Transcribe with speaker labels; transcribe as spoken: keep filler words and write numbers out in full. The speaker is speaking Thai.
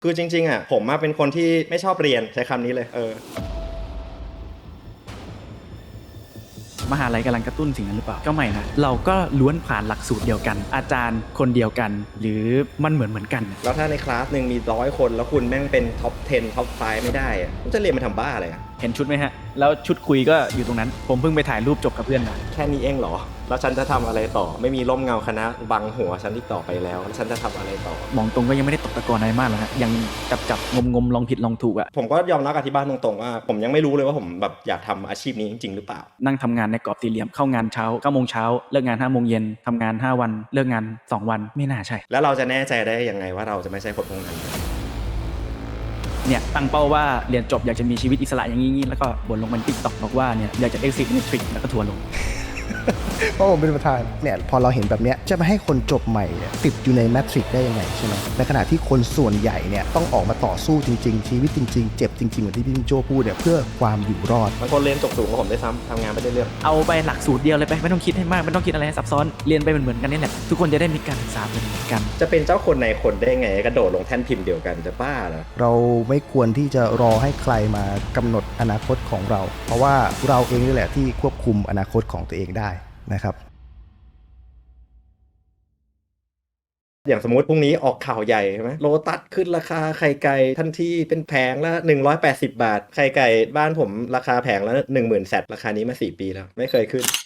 Speaker 1: คือจริงๆอ่ะผมมาเป็นคนที่ไม่ชอบเรียนใช้คำนี้เลยเออ
Speaker 2: มหาลัยกำลังกระตุ้นสิ่งนั้นหรือเปล่าก็ไม่นะเราก็ล้วนผ่านหลักสูตรเดียวกันอาจารย์คนเดียวกัน หรือมันเหมือนเหมือนกัน
Speaker 1: แล้วถ้าในคลาสหนึ่งมีร้อยคนแล้วคุณแม่งเป็นท็อปสิบท็อปห้าไม่ได้อ่ะคุณจะเรียนมาทำบ้าอะไรอ่ะ
Speaker 2: เห็นชุดไหมฮะแล้วชุดคุยก็อยู่ตรงนั้นผมเพิ่งไปถ่ายรูปจบกับเพื่อนมา
Speaker 1: แค่นี้เองเหรอแล้วฉันจะทำอะไรต่อไม่มีร่มเงาคณะบังหัวฉันที่ต่อไปแล้วแล้วฉันจะทำอะไรต่อ
Speaker 2: มองตรงก็ยังไม่ได้ตกตะกอนอะไรมากหรอกฮะยังจับจับงมงมลองผิดลองถูกอะ
Speaker 1: ผมก็ยอมรับกับที่บ้านตรงๆว่าผมยังไม่รู้เลยว่าผมแบบอยากทำอาชีพนี้จริงๆหรือเปล่า
Speaker 2: นั่งทำงานในกรอบสี่เหลี่ยมเข้างานเช้าเก้าโมงเช้าเลิกงานห้าโมงเย็นทำงานห้าวันเลิกงานสองวันไม่น่าใช่
Speaker 1: แล้วเราจะแน่ใจได้ยังไงว่าเราจะไม่ใช่คนพวกนั้น
Speaker 2: เนี่ยตั้งเป้าว่าเรียนจบอยากจะมีชีวิตอิสระอย่างนี้แล้วก็บ่นลงบน TikTok บอกว่าเนี่ยอยากจะ exit matrix แล้วก็ทัวร์ลง
Speaker 3: เพราะผมเป็นประธานเนี่ยพอเราเห็นแบบเนี้ยจะมาให้คนจบใหม่ติดอยู่ในแมทริกได้ยังไงใช่ไหมในขณะที่คนส่วนใหญ่เนี่ยต้องออกมาต่อสู้จริงๆชีวิตจริงๆเจ็บจริงๆเหมือนที่พี่โจพูดเนี่ยเพื่อความอยู่รอด
Speaker 1: บางคนเรียนจบสูงกว่าผมได้ซ้ำทำงานไม่ได้เรื่อง
Speaker 2: เอาไปหลักสูตรเดียวเลยไปไม่ต้องคิดให้มากไม่ต้องคิดอะไรซับซ้อนเรียนไปเหมือนๆกันนี่แหละทุกคนจะได้มีการศึกษาเหมือนกัน
Speaker 1: จะเป็นเจ้าคนในคนได้ไงกระโดดลงแท่นพิมพ์เดียวกันจะบ้าเหรอ
Speaker 3: เราไม่ควรที่จะรอให้ใครมากำหนดอนาคตของเราเพราะว่าเราเองนี่แหละที่ควบคุมอนาคตของตัวเองได้นะครับ
Speaker 1: อย่างสมมติพรุ่งนี้ออกข่าวใหญ่ใช่ไหมโลตัสขึ้นราคาไข่ไก่ทันทีเป็นแผงละหนึ่งร้อยแปดสิบบาทไข่ไก่บ้านผมราคาแผงละหนึ่งหมื่นแซดราคานี้มาสี่ปีแล้วไม่เคยขึ้น